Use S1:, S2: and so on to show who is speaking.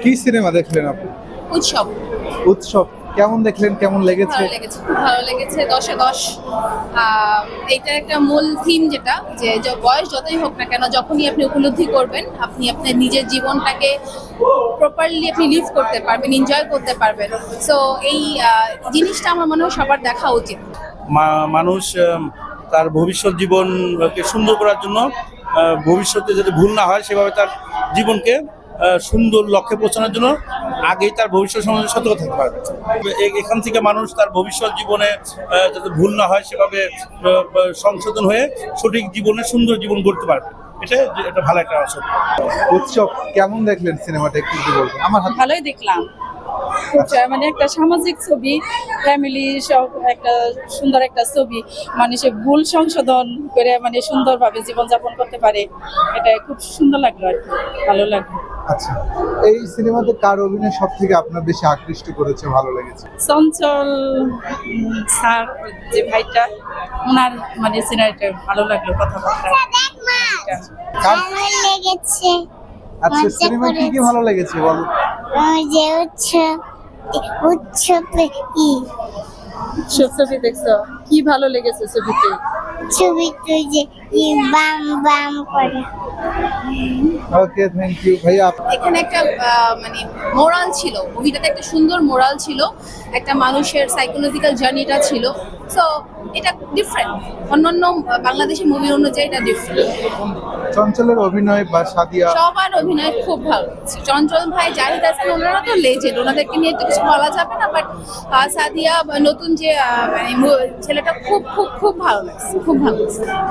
S1: কি সিনেমা দেখলেন আপনি?
S2: উৎসব।
S1: উৎসব কেমন দেখলেন, কেমন লেগেছে?
S2: ভালো লেগেছে, খুব ভালো লেগেছে, 10-এ 10। এইটা একটা মূল থিম যেটা যে বয়স যতই হোক না কেন, যখনই আপনি উপলব্ধি করবেন আপনি আপনার নিজের জীবনটাকে প্রপারলি আপনি লিভ করতে পারবেন, এনজয় করতে পারবেন। সো এই জিনিসটা আমার মনে হয় সবার দেখা উচিত।
S3: মানুষ তার ভবিষ্যৎ জীবনকে সুন্দর করার জন্য ভবিষ্যতে যাতে ভুল না হয় সেভাবে তার জীবনকে সুন্দর লক্ষ্যে পৌঁছানোর জন্য আগেই তার ভবিষ্যৎ সম্বন্ধে সতর্ক থাকতে পারবে। এখান থেকে মানুষ তার ভবিষ্যৎ জীবনে যাতে ভুল না হয় সেভাবে সংশোধন হয়ে সঠিক জীবনে সুন্দর জীবন গড়তে পারবে। এটা ভালো একটা অংশ।
S1: উৎসব কেমন দেখলেন সিনেমাটা, একটু যদি বলতেন। আমার হাতে
S4: ভালোই দেখলাম। মানে একটা সামাজিক ছবি, ফ্যামিলি সব একটা সুন্দর একটা ছবি, মানুষের ভুল সংশোধন করে মানে সুন্দরভাবে জীবনযাপন করতে পারে, এটা খুব সুন্দর লাগলো আর কি, ভালো লাগলো।
S1: আচ্ছা, এই সিনেমাতে কার অভিনয় সব থেকে আপনার বেশি আকৃষ্ট করেছে, ভালো লেগেছে?
S4: চঞ্চল স্যার যে ভাইটা, ওনার মানে সিনারিটা ভালো লাগলো, কথাবার্তা।
S1: কার-
S5: লেগেছে
S1: আচ্ছা, সিনেমা কি কি ভালো লেগেছে বলো?
S5: যে উৎসবে
S4: সব ছবি দেখছো, কি ভালো লেগেছে ছবিতে?
S5: ছবিতে যে বাম বাম করে
S1: ওকে, থ্যাংক ইউ ভাইয়া।
S2: এখানে একটা মানে মোরাল ছিল, মুভিটাতে একটা সুন্দর মোরাল ছিল, একটা মানুষের সাইকোলজিক্যাল জার্নিটা ছিল। সো এটা ডিফারেন্ট, অন্যান্য বাংলাদেশি মুভি অনুযায়ী এটা ডিফারেন্ট।
S1: চঞ্চলের অভিনয় বা সাদিয়া,
S2: সবার অভিনয় খুব ভালো লাগছে। চঞ্চল ভাই, জাহিদ হাসান, ওনারা তো লেজেন্ড, ওনাদেরকে নিয়ে তো কিছু বলা যাবে না। বাট সাদিয়া বা নতুন যে মানে ছেলেটা খুব খুব খুব ভালো লাগছে, খুব ভালো লাগছে।